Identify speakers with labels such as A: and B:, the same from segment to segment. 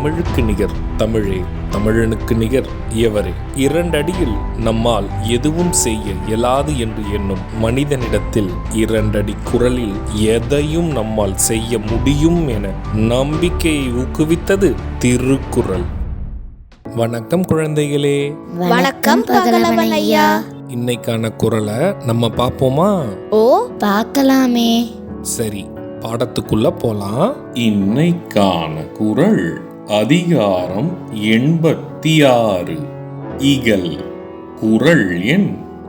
A: தமிழுக்கு நிகர் தமிழே, தமிழனுக்கு நிகர் எவரே. 2 அடியில் நம்மால் எதுவும் செய்ய இயலாது என்று எண்ணும் மனிதனிடத்தில் 2 அடி குரலில் எதையும் நம்மால் செய்ய முடியும் என நம்பிக்கையை ஊக்குவித்தது திருக்குறள். வணக்கம் குழந்தைகளே.
B: வணக்கம் பகலவன் ஐயா.
A: இன்னைக்கான குறளை நம்ம பார்ப்போமா?
B: ஓ, பார்க்கலாமே.
A: சரி, பாடத்துக்குள்ள போலாம். இன்னைக்கான குறள் அதிகாரம் 86 இகல். குறள் எண்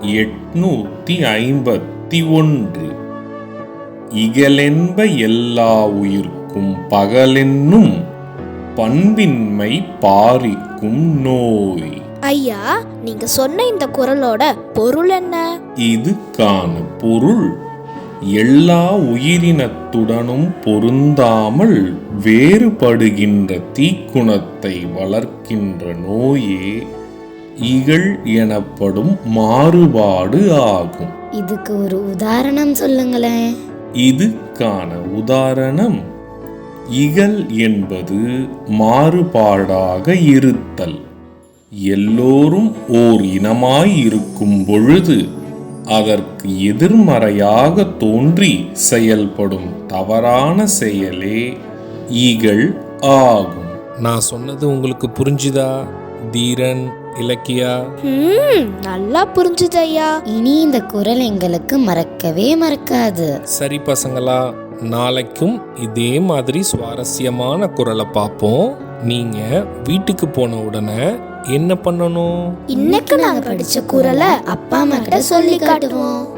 A: 851. இகலென்ப எல்லா உயிர்க்கும் பகலென்னும் பண்பின்மை பாரிக்கும் நோய்.
B: ஐயா, நீங்க சொன்ன இந்த குறளோட பொருள் என்ன?
A: இதுக்கான பொருள், எல்லா உயிரினத்துடனும் பொருந்தாமல் வேறுபடுகின்ற தீக்குணத்தை வளர்க்கின்ற நோயே இகல் எனப்படும் மாறுபாடு ஆகும்.
B: இதுக்கு ஒரு உதாரணம் சொல்லுங்களேன்.
A: இதுக்கான உதாரணம், இகல் என்பது மாறுபாடாக இருத்தல். எல்லோரும் ஓர் இனமாய் இருக்கும் பொழுது அதற்கு எதிர்மறையாக தோன்றி செயல்படும் தவறான செயலே இகல் ஆகும். நான் சொன்னது உங்களுக்கு புரிஞ்சுதா தீரன், இலக்கியா?
B: நல்லா புரிஞ்சுது ஐயா. இனி இந்த குறள் எங்களுக்கு மறக்கவே மறக்காது.
A: சரி பசங்களா, நாளைக்கும் இதே மாதிரி சுவாரஸ்யமான குறளை பார்ப்போம். நீங்க வீட்டுக்கு போன உடனே என்ன பண்ணணும்?
B: இன்னைக்கு நாங்க படிச்ச குறளை அப்பா அம்மா கிட்ட சொல்லி காட்டுவோம்.